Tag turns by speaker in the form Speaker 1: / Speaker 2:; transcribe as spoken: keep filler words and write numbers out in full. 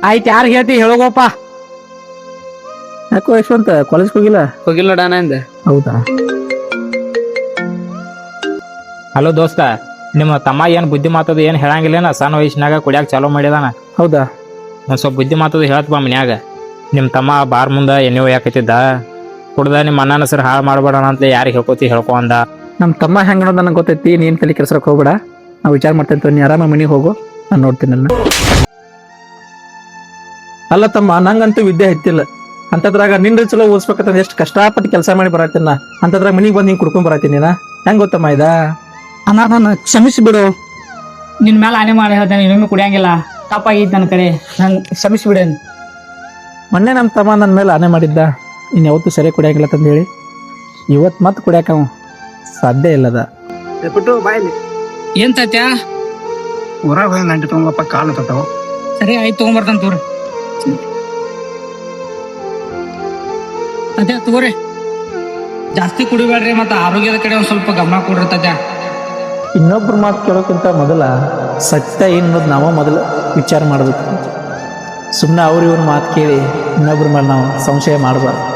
Speaker 1: ಆಯ್ತು ಯಾರು ಹೇಳ್ತಿ ಹೇಳೋಗಪ್ಪ.
Speaker 2: ಯಾಕೋ ಯಶವಂತ ಕಾಲೇಜ್ಗೆ ಹೋಗಿಲ್ಲ?
Speaker 1: ಹೋಗಿಲ್ಲ ನೋಡ ನಂದ.
Speaker 2: ಹೌದಾ?
Speaker 3: ಹಲೋ ದೋಸ್ತ, ನಿಮ್ಮ ತಮ್ಮ ಏನು ಬುದ್ಧಿ ಮಾತದ ಏನು ಹೇಳಂಗಿಲ್ಲೇನ? ಸಣ್ಣ ವಯಸ್ಸಿನಾಗ ಕುಡಿಯಾಕ ಚಾಲೂ ಮಾಡಿದಾನ.
Speaker 2: ಹೌದಾ?
Speaker 3: ಒಂದು ಸ್ವಲ್ಪ ಬುದ್ಧಿ ಮಾತದ ಹೇಳ್ತಪ್ಪ ಮನ್ಯಾಗ. ನಿಮ್ಮ ತಮ್ಮ ಬಾರ್ ಮುಂದೆ ಎಣ್ಣೆ ಒಯ್ಯಾಕತ್ತಿದ್ದ, ಕುಡ್ದ ನಿಮ್ಮ ಅಣ್ಣನ ಹೆಸರು ಹಾಳು ಮಾಡ್ಬೇಡಣ ಅಂತ ಯಾರಿಗೆ ಹೇಳ್ಕೊತಿ ಹೇಳ್ಕೊ ಅಂದ.
Speaker 2: ನಮ್ಮ ತಮ್ಮ ಹೆಂಗ ಅನ್ನೋದು ನನಗೆ ಗೊತ್ತೈತಿ. ನೀನು ತಲೆ ಕೆಲ್ಸಕ್ಕೆ ಹೋಗ್ಬೇಡ, ನಾವು ವಿಚಾರ ಮಾಡ್ತೇನೆ. ನೀ ಆರಾಮ ಮನೆಗೆ ಹೋಗು, ನಾನು ನೋಡ್ತೀನಿ. ನನ್ನ ಅಲ್ಲ ತಮ್ಮ, ನಂಗಂತೂ ವಿದ್ಯೆ ಹತ್ತಿಲ್ಲ. ಅಂತದ್ರಾಗ ನಿನ್ನ ಚಲೋ ಓದಿಸ್ಬೇಕಂತ ಎಷ್ಟು ಕಷ್ಟಪಟ್ಟು ಕೆಲಸ ಮಾಡಿ ಬರತ್ತೀನಿ ನಾ. ಅಂತದ್ರಾಗ ಮನೆಗೆ ಬಂದು ಹಿಂಗೆ ಕುಡ್ಕೊಂಡ್ ಬರತ್ತೀನಿ ನಾ. ಹೆಂಗೆ ಗೊತ್ತಮ್ಮ ಇದ?
Speaker 1: ಅಣ್ಣ ನಾನು ಕ್ಷಮಿಸಿಬಿಡು. ನಿನ್ನ ಮೇಲೆ ಆನೆ ಮಾಡಿ ಹೇಳ್ತೇನೆ, ಇನ್ನೊಮ್ಮೆ ಕುಡಿಯಂಗಿಲ್ಲ. ತಪ್ಪಾಗಿತ್ತು ನನ್ನ ಕಡೆ, ನಾನು ಕ್ಷಮಿಸಿಬಿಡೇನು.
Speaker 2: ಮೊನ್ನೆ ನಮ್ಮ ತಮ್ಮ ನನ್ನ ಮೇಲೆ ಆನೆ ಮಾಡಿದ್ದ, ಇನ್ನು ಯಾವತ್ತೂ ಸರಿ ಕುಡಿಯಂಗಿಲ್ಲ ತಂದು ಹೇಳಿ. ಇವತ್ತು ಮತ್ತೆ ಕುಡಿಯಾಕ ಅವ ಸಾಧ್ಯ ಇಲ್ಲದ.
Speaker 4: ಬಿಟ್ಟು ಬಾಯಲ್ಲಿ
Speaker 1: ಏನ್ ತಾತ್ಯಾ?
Speaker 4: ಊರಾಗ ಹೋಗಿ ನಂಟಿ ತಗೊಂಬಪ್ಪ, ಕಾಲು ತತ್ತಾವ.
Speaker 1: ಸರಿ ಆಯ್ತು, ತಗೊಂಬರ್ತಾನ ತೋರಿ. ತಾತ್ಯಾ ತಗೋರಿ, ಜಾಸ್ತಿ ಕುಡಿಬೇಡ್ರಿ, ಮತ್ತೆ ಆರೋಗ್ಯದ ಕಡೆ ಒಂದ್ ಸ್ವಲ್ಪ ಗಮನ ಕೊಡ್ರಿ ತಾತ್ಯಾ.
Speaker 2: ಇನ್ನೊಬ್ರ ಮಾತು ಕೇಳೋಕ್ಕಿಂತ ಮೊದಲ ಸತ್ಯ ಏನು ಅನ್ನೋದು ನಾವು ಮೊದಲು ವಿಚಾರ ಮಾಡಬೇಕು. ಸುಮ್ಮನೆ ಅವ್ರ ಇವ್ರ ಮಾತು ಕೇಳಿ ಇನ್ನೊಬ್ರ ಮೇಲೆ ನಾವು ಸಂಶಯ ಮಾಡಬಾರ್ದು.